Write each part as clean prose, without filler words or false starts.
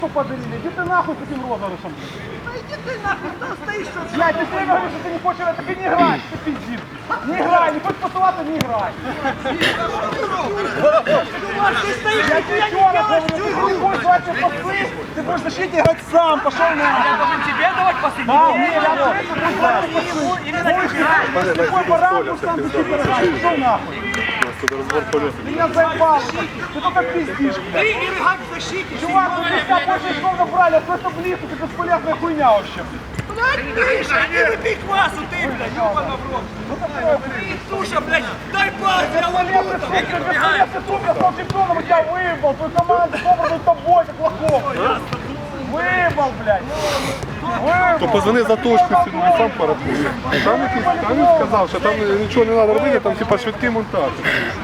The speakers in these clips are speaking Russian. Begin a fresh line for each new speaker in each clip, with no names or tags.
подарили. Иди ты нахуй с этим розыгрышем.
Да иди ты нахуй, кто стоишь, что
Блядь, ты все говоришь, что ты не хочешь, так и не играй, ты пиздишь. Не играй, не хочешь посылаться, не играй.
ты стоишь,
Я тебе еще раз говорю, ты не будешь давать мне пасы, ты будешь в защите играть сам, пошел на.
Я должен тебе давать пасы?
Да, не, я говорю, ты будешь давать пасы.
Именно тебе.
С какой пора будешь там в защите играть, пошел нахуй. Ты меня заебал, ты только пиздишь, блядь.
Ты играть в защите.
Чувак, мы тебя больше очков набрали, а что близко, ты бесполезная хуйня вообще.
Блядь, Миша, не выпей квасу, ты, блядь, ёбана в рот.
Ну такое, блядь.
Туша, блядь, дай пас, я
Бесполезный сука, бесполезный сука, я стал чемпионом, и тебя выебал, твою команду собрана с тобой, как лохов. Выебал, блядь.
То позвони за точку сюди, і сам порахує. Там він сказав, що там нічого не треба робити, там типа швидкий монтаж.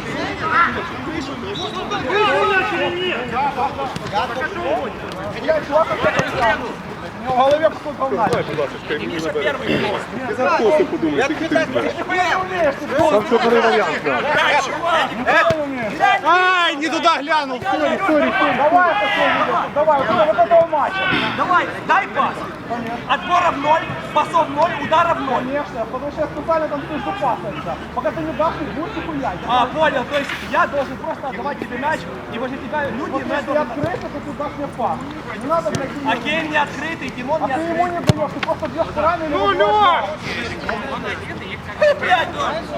Я чувак, у него в голове кусок говна.
Дай, будь ласка, мені набере. Ти за коси подумай, скільки ти знаєш.
Нихуя не умеешь, ты
Сам що бери варіант.
нихуя не умеешь.
Ай, не туди глянув, сорі.
Давай, давай, вот этого матча.
Давай, дай пас. Отборов 0, пасов 0, ударов 0.
Конечно, потому что я специально там стою запасываться. Пока ты не дашь, не будешь нихуя.
А, понял, то есть я должен просто отдавать тебе мяч, и возле тебя люди...
Вот если я открыто, то ты дашь мне пас. Не надо, блядь,
А Кейн не открытый, Димон
а
не
ты ему
открытый.
не даешь, ты просто бьешь руками или выбиваешь.
Блядь,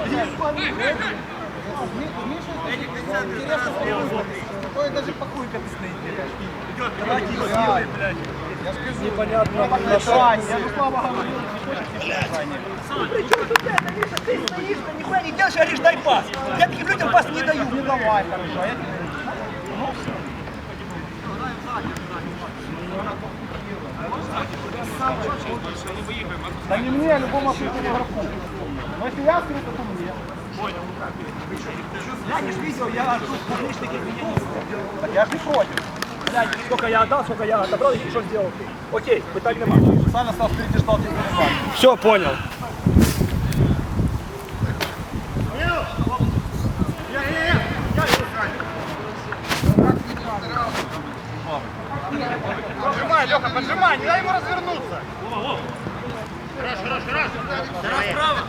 Такой даже пакуйка ты стоит.
давай, Дима, делай, блядь.
Непонятно. Я же слабо говорил, не хочешь название.
Причем тут это, Миша, ты стоишь, ты нихуя не делаешь, а говоришь, дай пас. Я таким людям пас не даю.
Не давай, хорошо. Я тебе... Да не мне, а любому открытому игроку. Но если я открыто, то мне.
Я не ж видел, я тут публичный кабинет не сделал.
Так я же не против.
Блядь, сколько я отдал, сколько я отобрал, и что сделал ты. Окей, пытали нема.
Сам стал впереди, ждал тебя перебивать.
Все, понял.
Поджимай, Леха, поджимай, не дай ему развернуться.
Раз, право.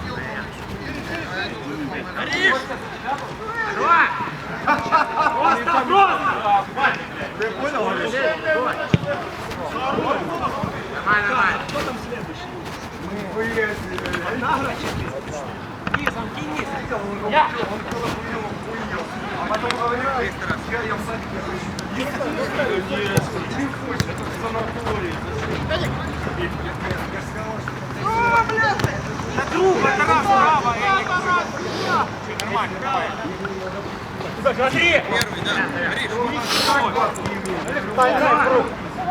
Ариш! Два! Просто, просто!
Ты понял?
Давай. Кто там следующий? Низом, кинь. Я!
А потом говорил, я в
На друга, Тарас, право! Нормально, давай. Смотри! Первый, да.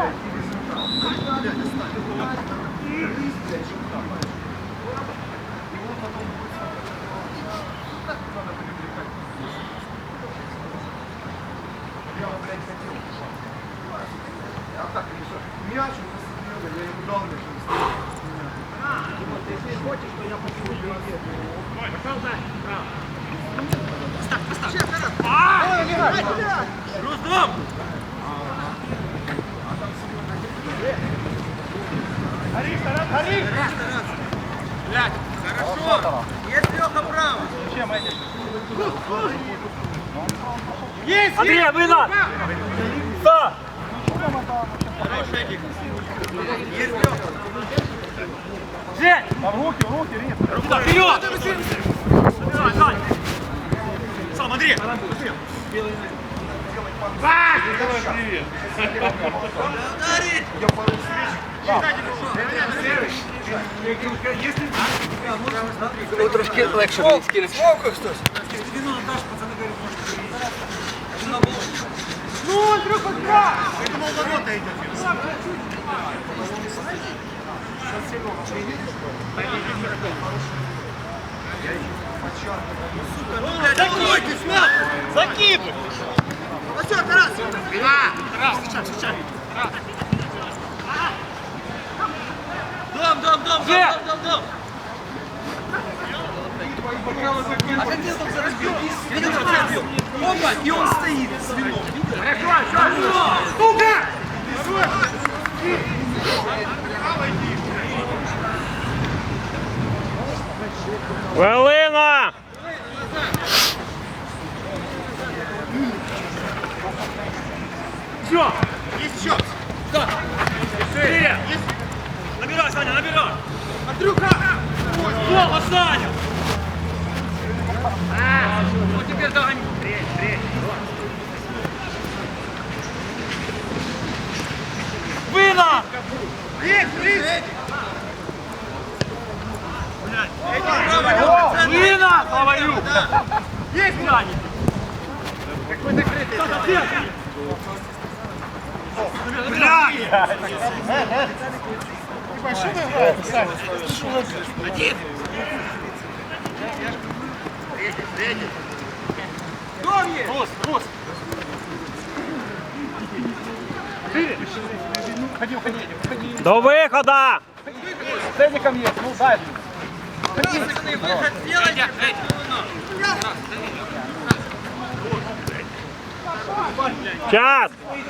мяч, я ему дал мяч.
Если хочешь, то я почему не пошел Поставь! Рустам!
Гори!
Блядь, хорошо! Есть Леха право!
Чем эти?
Есть! Андрей, вынос! Да! Хороший Эдик! Есть Леха! Жень!
Да в руки, Рит.
Рука вперед! Забирай, Сань! Сам, Андрей!
Привет.
Ударить!
Я пару встреч.
Ну, трошки легше мені скинути.
Сколько хтось? Вино отдашь, пацаны говорят, может,
Ну, Андрюха, да!
я думал, ворота идет. Закидывай, нахуй! Закидывай! Ну все, Тарас! Тарас, встречай! Дом! А как ты там разбил? Видел, как я разбил? Опа, и он стоит с вином. Видел? Сука!
Хвилина!
Все! Есть счет! Да! Есть! Набирай, Саня, набирай! Андрюха! Слава, Саня! Вот теперь догони! Вина! Вина! Говорю! Есть грани! Какой-то крытый! Один! Рус, Рус! Ходи, уходи, уходи.
До виходу!
Ценником есть, ну дай.
Выход сделайте.
Час!